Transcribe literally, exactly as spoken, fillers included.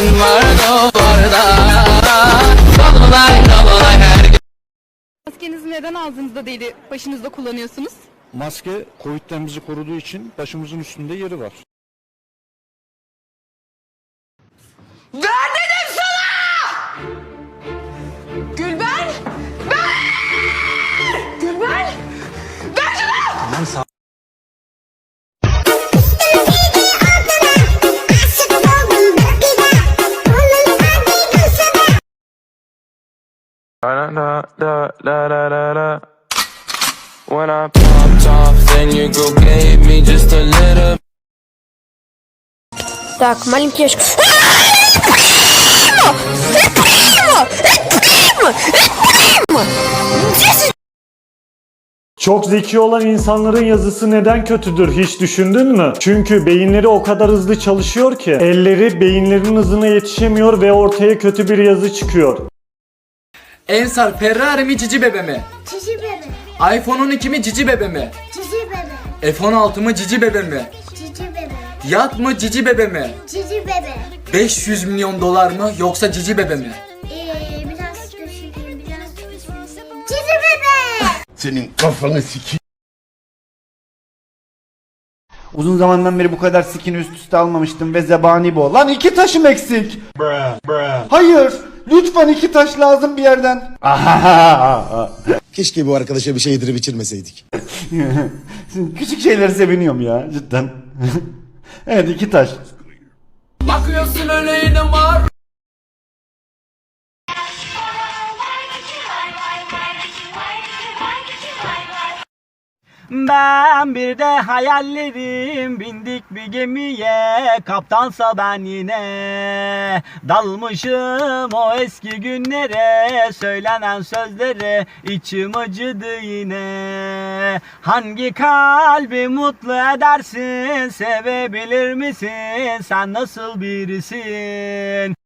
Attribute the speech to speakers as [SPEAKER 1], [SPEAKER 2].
[SPEAKER 1] Sen var duvarda. Dolunay dolunay her gün.
[SPEAKER 2] Maskenizi neden ağzınızda değil başınızda kullanıyorsunuz?
[SPEAKER 3] Maske Covid'den bizi koruduğu için başımızın üstünde yeri var.
[SPEAKER 4] Ver dedim sana! Gülben! Ver! Gülben! Ver şunu!
[SPEAKER 3] Aman sağ
[SPEAKER 5] Da da da da da da da. When I popped off, then your girl gave me just a little.
[SPEAKER 6] Так, маленький ящик.
[SPEAKER 7] Çok zeki olan insanların yazısı neden kötüdür hiç düşündün mü? Çünkü beyinleri o kadar hızlı çalışıyor ki elleri beyinlerinin hızına yetişemiyor ve ortaya kötü bir yazı çıkıyor.
[SPEAKER 1] Ensar Ferrari mi Cici Bebe mi?
[SPEAKER 8] Cici bebe,
[SPEAKER 1] iPhone on iki mi Cici Bebe mi?
[SPEAKER 8] cici bebe,
[SPEAKER 1] F on altı mı Cici Bebe mi?
[SPEAKER 8] cici bebe,
[SPEAKER 1] Yat mı Cici Bebe mi?
[SPEAKER 8] cici bebe.
[SPEAKER 1] beş yüz milyon dolar mı yoksa Cici Bebe mi?
[SPEAKER 8] Ee, biraz düşüneyim, biraz düşüneyim. Cici bebe!
[SPEAKER 9] Senin kafanı sikeyim.
[SPEAKER 10] Uzun zamandan beri bu kadar skin üst üste almamıştım ve zebani bu. Lan iki taşım eksik. Hayır. Lütfen iki taş lazım bir yerden.
[SPEAKER 9] Keşke bu arkadaşa bir şey yedirip içirmeseydik.
[SPEAKER 10] Küçük şeyleri seviniyorum ya cidden. Evet iki taş.
[SPEAKER 1] Bakıyorsun öyle yine var.
[SPEAKER 11] Ben bir de hayallerim bindik bir gemiye, kaptansa ben yine dalmışım o eski günlere, söylenen sözlere içim acıdı yine. Hangi kalbi mutlu edersin, sevebilir misin, sen nasıl birisin?